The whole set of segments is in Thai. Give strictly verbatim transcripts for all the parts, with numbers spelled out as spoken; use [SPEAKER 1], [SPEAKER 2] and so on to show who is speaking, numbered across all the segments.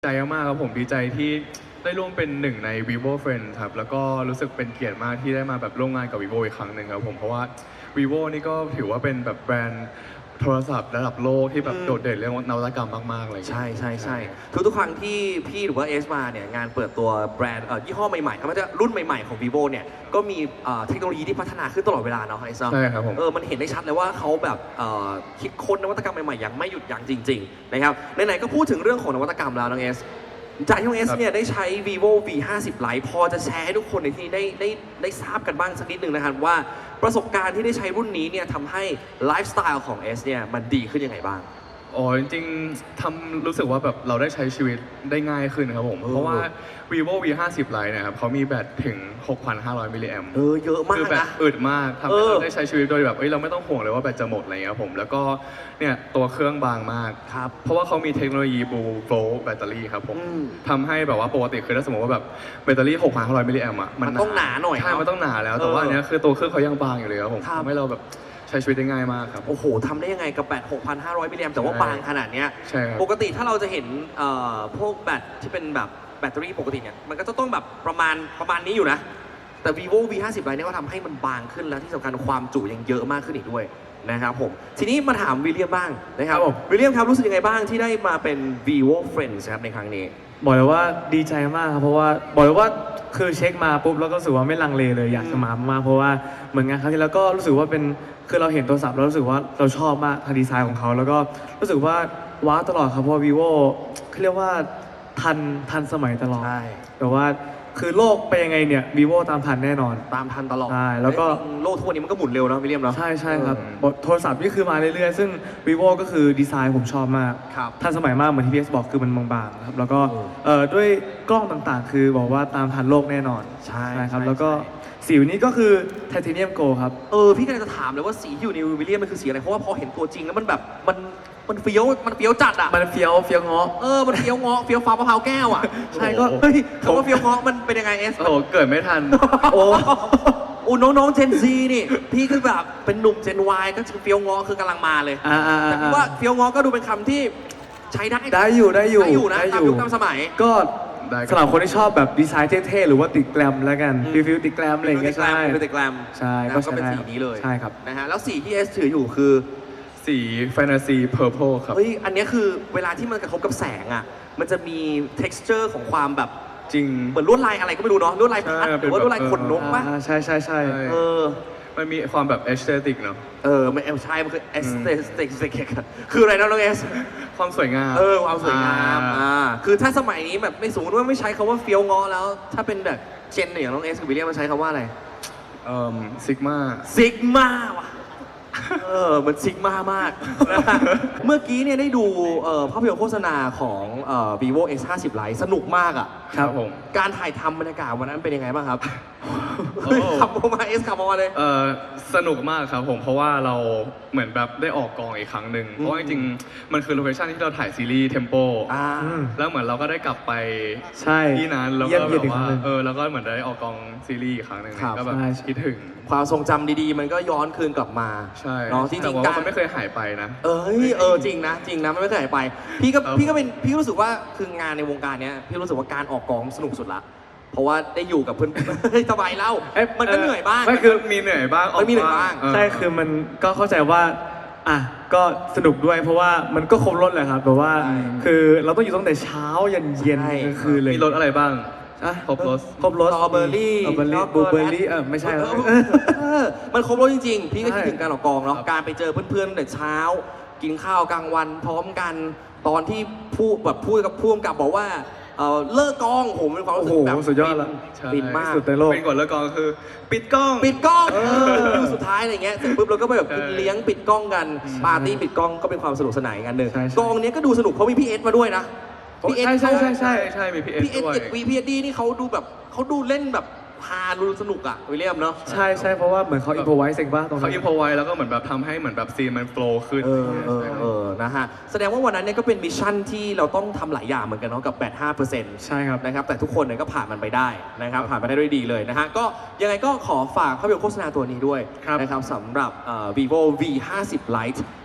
[SPEAKER 1] ใจมากครับผมดีใจที่ได้ร่วมเป็นหนึ่งใน vivo Friends ครับแล้วก็รู้สึกเป็นเกียรติมากที่ได้มาแบบร่วมงานกับ vivo อีกครั้งหนึ่งครับผมเพราะว่า vivo นี่ก็ถือว่าเป็นแบบแบรนด์โทรศัพท์ระดับโลกที่แบบโดดเด่นเรื่องนวัตกรรมมากๆเลย
[SPEAKER 2] ใช่ใช่ใช่ทุกทุกๆครั้งที่พี่หรือว่าเอสมาเนี่ยงานเปิดตัวแบรนด์เอ่อยี่ห้อใหม่ๆครับมันจะรุ่นใหม่ๆของ vivo เนี่ยก็มีเอ่อเทคโนโลยีที่พัฒนาขึ้นตลอดเวลาเนาะไอซ์เนาะ
[SPEAKER 1] ใช่ครับผม
[SPEAKER 2] เออมันเห็นได้ชัดเลยว่าเขาแบบเอ่อคิดค้นนวัตกรรมใหม่ๆอย่างไม่หยุดยั้งจริงๆนะครับไหนๆก็พูดถึงเรื่องของนวัตกรรมแล้วน้องเอสจากที่น้องเอสเนี่ยได้ใช้ vivo วี ห้าสิบ Lite พอจะแชร์ให้ทุกคนในที่นี้ได้ได้ได้ทราบกันบ้างสักนิดนึงนะครับว่าประสบการณ์ที่ได้ใช้รุ่นนี้เนี่ยทำให้ไลฟ์สไตล์ของเอสเนี่ยมันดีขึ้นยังไงบ้าง
[SPEAKER 1] อ๋อจริงๆทำรู้สึกว่าแบบเราได้ใช้ชีวิตได้ง่ายขึ้นครับผมเพราะว่า vivo วี ห้าสิบ Lite นะครับเขามีแบตถึง หกพันห้าร้อย มิลลิแอมป์
[SPEAKER 2] เออเยอะมาก
[SPEAKER 1] คือแบต
[SPEAKER 2] นะ
[SPEAKER 1] อึดมากทำให้เราได้ใช้ชีวิตโดยแบบเอ้ยเราไม่ต้องห่วงเลยว่าแบตจะหมดอะไรเงี้ยผมแล้วก็เนี่ยตัวเครื่องบางมาก
[SPEAKER 2] ครับ
[SPEAKER 1] เพราะว่าเขามีเทคโนโลยี Blue Flow แบตเตอรี่ครับผมทำให้แบบว่าปกติคือถ้าสมมติว่าแบบแบตเตอรี่ หกพันห้าร้อย มิลลิแอมป์อ่ะ
[SPEAKER 2] มันต้องหนาหน่อย
[SPEAKER 1] ใช่มันต้องหนาแล้วแต่ว่าอันเนี้ยคือตัวเครื่องเขายังบางอยู่เลยครับผมทำให้เราแบบใช้ชีวิตได้ง่ายมากครับ
[SPEAKER 2] โอ้โหทำได้ยังไงกับแบต หกพันห้าร้อย มิลลิแอมป์แต่ว่าบางขนาดเนี้ย
[SPEAKER 1] ใช่ครับ
[SPEAKER 2] ปกติถ้าเราจะเห็นเอ่อพวกแบตที่เป็นแบบแบตเตอรี่ปกติเนี่ยมันก็จะต้องแบบประมาณประมาณนี้อยู่นะแต่ vivo วี ห้าสิบ Lite เนี่ยก็ทำให้มันบางขึ้นแล้วที่สำคัญความจุยังเยอะมากขึ้นอีกด้วยนะครับผมทีนี้มาถามวิลเลียมบ้างนะครับวิลเลียมครับรู้สึกยังไงบ้างที่ได้มาเป็น vivo friends ครับในครั้งนี้
[SPEAKER 3] บอกเลยว่าดีใจมากครับเพราะว่าบอกเลยว่าคือเช็คมาปุ๊บแล้วก็รู้สึกว่าไม่ลังเลเลยอยากจะมามากเพราะว่าเหมือนงานครั้งที่แล้วก็รู้สึกว่าเป็นคือเราเห็นโทรศัพท์แล้วรู้สึกว่าเราชอบมากทางดีไซน์ของเขาแล้วก็รู้สึกว่าว้าวตลอดครับเพราะว่า vivo เขาเรียกว่าทันทันสมัยตลอด
[SPEAKER 2] ใช่
[SPEAKER 3] แต่ว่าคือโลกไปยังไงเนี่ย vivo ตามทันแน่นอน
[SPEAKER 2] ตามทันตลอด
[SPEAKER 3] ใช่แล้วก็
[SPEAKER 2] โลกทุกวันนี้มันก็หมุนเร็วเนาะวิลเลียมเนาะ
[SPEAKER 3] ใช่ใช่ครับโทรศัพท์นี่คือมาเรื่อยๆซึ่ง vivo ก็คือดีไซน์ผมชอบมากทันสมัยมากเหมือนที่พีเอสบอกคือมันบางๆครับแล้วก็เอ่อด้วยกล้องต่างๆ คือบอกว่าตามทันโลกแน่นอน
[SPEAKER 2] ใช่
[SPEAKER 3] ครับแล้วก็สีนี้ก็คือไทเทเนียมโกลครับ
[SPEAKER 2] เออพี่ก็เลยจะถามเลยว่าสีที่อยู่ในวิลเลียมมันคือสีอะไรเพราะว่าพอเห็นตัวจริงแล้วมันแบบมันมันเฟี้ยวมันเฟี้ยวจัดอ่ะ
[SPEAKER 3] มันเฟี้ยวเฟี้ยวเงาะ
[SPEAKER 2] เออมันเฟี้ยวเงาะเฟี้ยวฟ้ามะพร้าวแก้วอ่ะ
[SPEAKER 3] ใช่ก็
[SPEAKER 2] เฮ้ยคำว่าเฟี้ยวเงาะมันเป็นยังไงเอส
[SPEAKER 1] โอ้โหเกิดไม่ทัน
[SPEAKER 2] โอ้โอ้น้องๆเจนซีนี่พี่คือแบบเป็นหนุ่มเจนวายก็เฟี้ยวเงาะคือกำลังมาเลยแต่พี่ว่าเฟี้ยวเงาะก็ดูเป็นคำที่ใช้ได้
[SPEAKER 3] ได้อยู่ได้อยู่
[SPEAKER 2] ได้อยู่นะตามยุคตามสมัย
[SPEAKER 3] ก็สำหรับคนที่ชอบแบบดีไซน์เท่ๆหรือว่าติดแกรมแล้วกันฟิลฟิลติดแกรมอะไรอย่างเงี้ยใช่
[SPEAKER 2] ติดแกรม
[SPEAKER 3] ใช่
[SPEAKER 2] ก็เป็นสีนี้เลย
[SPEAKER 3] ใช่ครับ
[SPEAKER 2] นะฮะแล้วสีที่เอสถืออยู่คือ
[SPEAKER 1] สีแฟนตาซีเพอร์เพลครับ
[SPEAKER 2] เฮ้ยอันนี้คือเวลาที่มันกระทบกับแสงอ่ะมันจะมี texture ของความแบบ
[SPEAKER 1] จริง
[SPEAKER 2] เหมือนลวดลายอะไรก็ไม่รู้เนาะลวดลายพัดหรือว่าลวดลายขนนกป่ะ
[SPEAKER 3] ใช่ใช่ใช่
[SPEAKER 2] เออ
[SPEAKER 1] มันมีความแบบเอสเตติกเนาะ
[SPEAKER 2] เออไม่ใช่มันคือเอสเตติกคืออะไรนะน้องเอส
[SPEAKER 1] ความสวยงาม
[SPEAKER 2] เออความสวยงามอ่าคือถ้าสมัยนี้แบบไม่สมมติว่าไม่ใช้คำว่าเฟี้ยวงอแล้วถ้าเป็นแบบเจนอย่างน้องเอสกับวิลเลียมมันใช้คำว่าอะไร
[SPEAKER 1] เอ่อซิกมา
[SPEAKER 2] ซิกมาว่ะเออมันซิกมามากเมื่อกี้เนี่ยได้ดูภาพยนตร์โฆษณาของ vivo เอ็กซ์ ห้าสิบ Lite สนุกมากอ่ะ
[SPEAKER 1] ครับผม
[SPEAKER 2] การถ่ายทำบรรยากาศวันนั้นเป็นยังไงบ้างครับขับออกมาเอสขับออกมาเลย
[SPEAKER 1] เออสนุกมากครับผมเพราะว่าเราเหมือนแบบได้ออกกองอีกครั้งหนึ่งเพราะว่าจริงๆมันคือโลเคชั่นที่เราถ่ายซีรีส์เทมโปแล้วเหมือนเราก็ได้กลับไปที่นั้นแล้วก็แบบว่าเออแล้วก็เหมือนได้ออกกองซีรีส์อีกครั้งหนึ่งก็แบบคิดถึง
[SPEAKER 2] ความทรงจำดีๆมันก็ย้อนคืนกลับมา
[SPEAKER 1] ใช่
[SPEAKER 2] เนาะจริงๆการ
[SPEAKER 1] มันไม่เคยหายไปนะ
[SPEAKER 2] เออเออจริงนะจริงนะมันไม่เคยหายไปพี่ก็พี่ก็เป็นพี่รู้สึกว่าคืองานในวงการเนี้ยพี่รู้สึกว่าการออกกองสนุกสุดละเพราะว่าได้อยู่กับเพื่อนสบายเล่ามันก็เหนื่อยบ้าง
[SPEAKER 1] ไม่คือมีเหนื่อยบ้าง
[SPEAKER 2] มันมีเหนื่อยบ้าง
[SPEAKER 3] ใช่คือมันก็เข้าใจว่าอ่ะก็สนุกด้วยเพราะว่ามันก็ครบรถแหละครับแบบว่าคือเราต้องอยู่ตั้งแต่เช้ายันเย็นคือเลย
[SPEAKER 1] มีรถอะไรบ้างครบรถ
[SPEAKER 3] ครบรถ
[SPEAKER 2] สตรอเบอร์รี่
[SPEAKER 3] บลูเบอร์รี่เออไม่ใช่
[SPEAKER 2] มันครบรถจริงๆพี่ก็คิดถึงการออกกองเนาะการไปเจอเพื่อนๆแต่เช้ากินข้าวกลางวันพร้อมกันตอนที่พูดแบบพูดกับผู้กำกับบอกว่าเลิกกองผมเป็นความรู้สึกแบบ
[SPEAKER 3] สุดยอดละ
[SPEAKER 2] ปิดมาก
[SPEAKER 3] สุดในโลก
[SPEAKER 1] เป็นก่อนเลิกกองคือปิดกล้อง
[SPEAKER 2] ปิดกล้องคือสุดท้ายอะไรเงี้ยเสร็จปุ๊บเราก็ไปแบบเลี้ยงปิดกล้องกันปาร์ตี้ปิดกล้องก็เป็นความสนุกสนานกันหนึ่งกองนี้ก็ดูสนุกเพราะมีพี่เอสมาด้วยนะ
[SPEAKER 1] พี่เอสใช่ใช่ใช่ใช่มีพี่เอส
[SPEAKER 2] พี่เอสกับวีพีเอสดีนี่เขาดูแบบเขาดูเล่นแบบฮาดูสนุกอ่ะวิลเลียมเนาะ
[SPEAKER 3] ใช่ใช่เพราะว่าเหมือนเขาอินโพไวส์เองป่ะตรงนั้น
[SPEAKER 1] เขาอินโพไวส์แล้วก็เหมือนแบบทำให้เหมือนแบบซีนมันโฟล์ขึ้น
[SPEAKER 2] เออเออเออนะฮะแสดงว่าวันนั้นเนี่ยก็เป็นมิชชั่นที่เราต้องทำหลายอย่างเหมือนกันเนาะกับแบต ห้าเปอร์เซ็นต์
[SPEAKER 3] ใช่ครับ
[SPEAKER 2] นะครับแต่ทุกคนเนี่ยก็ผ่านมันไปได้นะครับผ่านไปได้ด้วยดีเลยนะฮะก็ยังไงก็ขอฝากภาพยนตร์โฆษณาตัวนี้ด้วยนะครับสำหรับ vivo วี ห้าสิบ Lite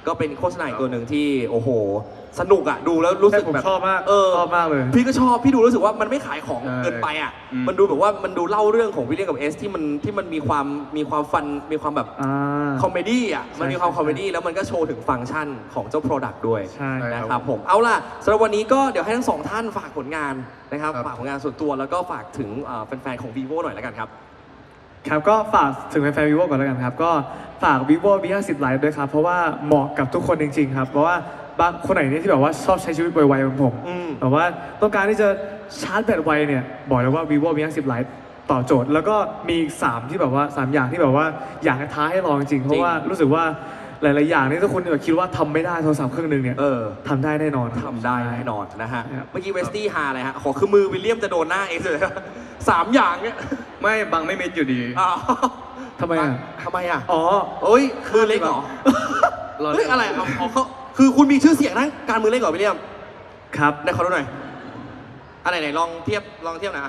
[SPEAKER 2] ก็เป็นโฆษณาอีกตัวหนึ่งที่โอ้โหสนุกอะดูแล้วรู้สึก
[SPEAKER 3] แต่ผม
[SPEAKER 2] แบบ
[SPEAKER 3] ชอบมาก
[SPEAKER 2] เออ
[SPEAKER 3] ชอบมากเลย
[SPEAKER 2] พี่ก็ชอบพี่ดูรู้สึกว่ามันไม่ขายของ
[SPEAKER 1] ใช่
[SPEAKER 2] เกินไปอะ
[SPEAKER 1] อืม
[SPEAKER 2] มันดูแบบว่ามันดูเล่าเรื่องของวิลเลียมกับเอสที่มันที่มันมีความมีความฟันมีความแบบ
[SPEAKER 3] อ่า
[SPEAKER 2] คอมเมดี้อ่ะ มันมีความ
[SPEAKER 3] ใช่
[SPEAKER 2] คอมเมดี้แล้วมันก็โชว์ถึงฟังก์ชันของเจ้า Product ด้วย
[SPEAKER 3] ใช่
[SPEAKER 2] นะครับผม เอาล่ะสำหรับวันนี้ก็เดี๋ยวให้ทั้งสองท่านฝากผลงานนะครับ
[SPEAKER 1] ครับ
[SPEAKER 2] ฝากผลงานส่วนตัวแล้วก็ฝากถึงเอ่อแฟนๆของ vivo หน่อยแล้วกันครับ
[SPEAKER 3] ครับก็ฝากถึงแฟนๆ vivo ก่อนแล้วกันครับ ก็ฝาก vivo วี ห้าสิบ Lite ด้วยครับ เพราะว่าเหมาะกับทุกคนจริงๆครับ เพราะว่าบางคนไหนเนี่ยที่แบบว่าชอบใช้ชีวิตไวๆเหมือนผม
[SPEAKER 2] อืม
[SPEAKER 3] แบบว่าต้องการที่จะชาร์จแบตไวเนี่ย บอกเลยว่า vivo วี ห้าสิบ Lite ตอบโจทย์ แล้วก็มีอีกสามที่แบบว่าสามอย่างที่แบบว่าอยากจะท้าให้ลองจริงๆเพราะว่ารู้สึกว่าหลายๆอย่างนี่ถ้าคุณแบบคิดว่าทำไม่ได้โทรศัพท์เครื่องหนึงเนี่ย
[SPEAKER 2] เออ
[SPEAKER 3] ทำได้แน่นอน
[SPEAKER 2] ทำได้แน่นอนนะฮะ
[SPEAKER 3] ครับ
[SPEAKER 2] เมื่อกี้เวสตี้ฮาอะไรฮะ ขอคือมือวิลเลียมจะโดนหน้าเองเลยสามอย่างเนี่ย
[SPEAKER 1] ไม่บังไม่มิดอยู่ดี
[SPEAKER 2] อ้าว
[SPEAKER 3] ทำไมอ่ะ
[SPEAKER 2] ทำไมอ่ะ
[SPEAKER 3] อ๋อ
[SPEAKER 2] เอ้ยมือเล็กเหรอ
[SPEAKER 1] รอ
[SPEAKER 2] เฮ้ยอะไรเอาเอาเขาคือคุณมีชื่อเสียงนะการมือเล็กเหรอวิลเลียม
[SPEAKER 3] ครับ
[SPEAKER 2] ไหนขอดูหน่อยอันไหนไหนลองเทียบลองเทียบหนะ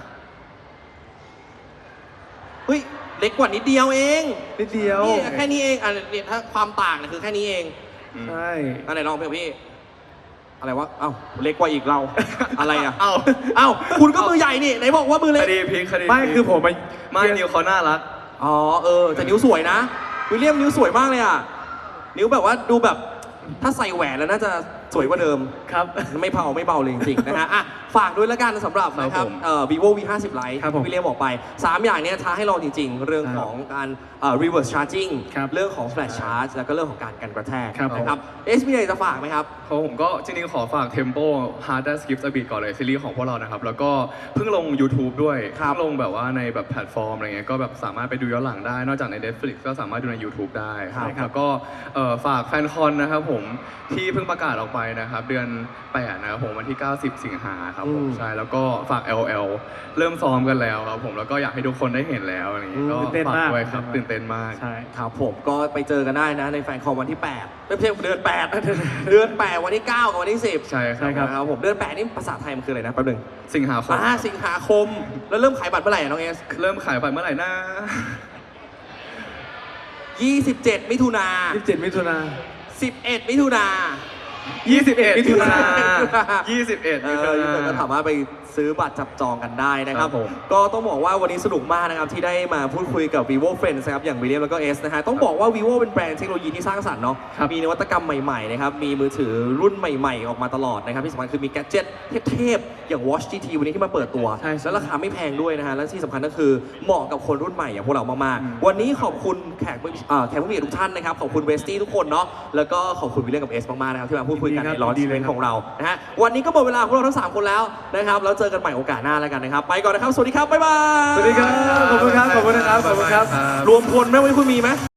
[SPEAKER 2] เฮ้ยเล็กกว่านิดเดียวเอง
[SPEAKER 3] นิดเดียว
[SPEAKER 2] นี่แค่นี้เองอันนี้ถ้าความต่างเนี่ยคือแค่นี้เอง
[SPEAKER 3] ใช่
[SPEAKER 2] อันไหนลองเพี่พี่ อะไรวะเอ้าเล็กกว่าอีกเรา อะไรอ่ะ
[SPEAKER 1] เอ้า
[SPEAKER 2] เอ้าคุณก็มือใหญ่นี่ไหนบอกว่ามือ
[SPEAKER 1] ค
[SPEAKER 2] เล็ก
[SPEAKER 1] ดีพลิกคดี
[SPEAKER 3] ไม่
[SPEAKER 1] พลิก
[SPEAKER 3] คือผมมา
[SPEAKER 1] ไม่นิวเขาน่ารัก
[SPEAKER 2] อ๋อเออแต่นิ้วสวยนะวิลเลียมนิ้วสวยมากเลยอ่ะนิ้วแบบว่าดูแบบถ้าใส่แหวนแล้วน่าจะสวยกว่าเดิม
[SPEAKER 3] ครับ
[SPEAKER 2] ไม่เบาไม่เบาเลยจริงๆนะฮะอ่ะฝากด้วยแล้วกันสำหรับนะครับ
[SPEAKER 1] ผม
[SPEAKER 2] เอ่อ vivo วี ห้าสิบ Lite
[SPEAKER 3] ครับผม
[SPEAKER 2] ที่วิลเลียมบอกไป สาม อย่างเนี้ยท้าให้ลองจริงๆ เรื่องของการเอ่อ reverse charging
[SPEAKER 3] ครับ
[SPEAKER 2] เรื่องของ flash charge แล้วก็เรื่องของการกันกระแทก
[SPEAKER 3] ครับ
[SPEAKER 2] นะครับเอสมีอะไรจะฝากไหมครับ
[SPEAKER 1] เพราะผมก็จริงๆขอฝาก Tempo Hard That Skips a Beat ก่อนเลยซีรีส์ของพวกเรานะครับ แล้วก็เพิ่งลง YouTube ด้วย
[SPEAKER 2] ครับ
[SPEAKER 1] เพิ่งลงแบบว่าในแบบแพลตฟอร์มอะไรเงี้ยก็แบบสามารถไปดูย้อนหลังได้ นอกจากใน Netflix ก็สามารถดูใน YouTube ได้
[SPEAKER 2] ครับ
[SPEAKER 1] แล้วก็เอ่อฝากแฟนคอนนะครับผมที่เพิ่งประกาศออกไปนะครับ เดือนแปดนะครับผมวันที่ เก้าสิบ สิงหาครับผม
[SPEAKER 2] อืม
[SPEAKER 1] ใช่แล้วก็ฝาก แอล แอล เริ่มซ้อมกันแล้วครับผมแล้วก็อยากให้ทุกคนได้เห็นแล้วอะไรอย่างงี้ก็
[SPEAKER 3] ตื่นเต้น
[SPEAKER 1] ฝาก
[SPEAKER 3] มาก
[SPEAKER 1] ด้วยครับตื่นเต้นมาก
[SPEAKER 3] ใช่
[SPEAKER 2] ครับผมก็ไปเจอกันได้นะในแฟนคอมวันที่แปดไม่ใช่เดือนแปด เดือนแปดวันที่เก้ากับวันที่สิบ
[SPEAKER 1] ใช่ค
[SPEAKER 3] ใช่
[SPEAKER 1] รับ
[SPEAKER 3] ครับ
[SPEAKER 2] นะครับผมเดือนแปดนี่ภาษาไทยมันคืออะไรนะแป๊บหนึง
[SPEAKER 1] สิงหาคม
[SPEAKER 2] อ่าสิงหาคมแล้วเริ่มขายบัตรเมื่อไหร่อะน้องเอส
[SPEAKER 1] เริ่มขายบัตรเมื่อไหร่นะ
[SPEAKER 2] ยี่สิบเจ็ดมิถุนา
[SPEAKER 3] ยี่สิบเจ็ดมิถุนา
[SPEAKER 2] สิบเอ็ดมิถุนา
[SPEAKER 1] ยี่สิบเอ็ด
[SPEAKER 3] มิถุนา
[SPEAKER 1] ยี่สิบเอ็ด
[SPEAKER 2] เออทุกคนก็สามารถไปซื้อบัตรจับจองกันได้นะครับ
[SPEAKER 1] ครับผม
[SPEAKER 2] ก็ต้องบอกว่าวันนี้สนุกมากนะครับที่ได้มาพูดคุยกับ vivo friends นะครับอย่างวิลเลียมแล้วก็เอสนะฮะต้องบอกว่า vivo เป็นแบรนด์เทคโนโลยีที่สร้างสรรค์เนาะ
[SPEAKER 3] ครับ
[SPEAKER 2] มีนวัตกรรมใหม่ๆนะครับมีมือถือรุ่นใหม่ๆ ออกมาตลอดนะครับที่สำคัญคือมีแกดเจ็ตเทพๆอย่าง watch จี ที วันนี้ที่มาเปิดตัว
[SPEAKER 3] ใช่ใช่
[SPEAKER 2] แล้วราคาไม่แพงด้วยนะฮะและที่สำคัญก็คือเหมาะกับคนรุ่นใหม่อย่างพวกเรามากๆวันนี้ขอบคุณแขกผู้เอ่อแขกผู้มีเกียรติทุกท่านนะครับขอบคุณเวสตี้ทุกคนเนาะแล้วก็ขอบคุณวิลเลียมกับเอสมากๆนะครับที่มาพูดคุยกัน
[SPEAKER 3] ดีครับ
[SPEAKER 2] ในร้อน
[SPEAKER 3] ดี
[SPEAKER 2] อี
[SPEAKER 3] เล
[SPEAKER 2] เวย น
[SPEAKER 3] ครับ
[SPEAKER 2] ของเรานะฮะวันนี้ก็หมดเวลาของเราทั้งสามคนแล้วนะครับแล้วเจอกันใหม่โอกาสหน้าแล้วกันนะครับไปก่อนนะครับสวัสดีครับบ๊ายบาย
[SPEAKER 3] สวัสดีครับ ขอบคุณครับ ขอบคุณนะครับ ขอบคุณครับ
[SPEAKER 2] รวมพลไหมวันนี้คุณมีไหม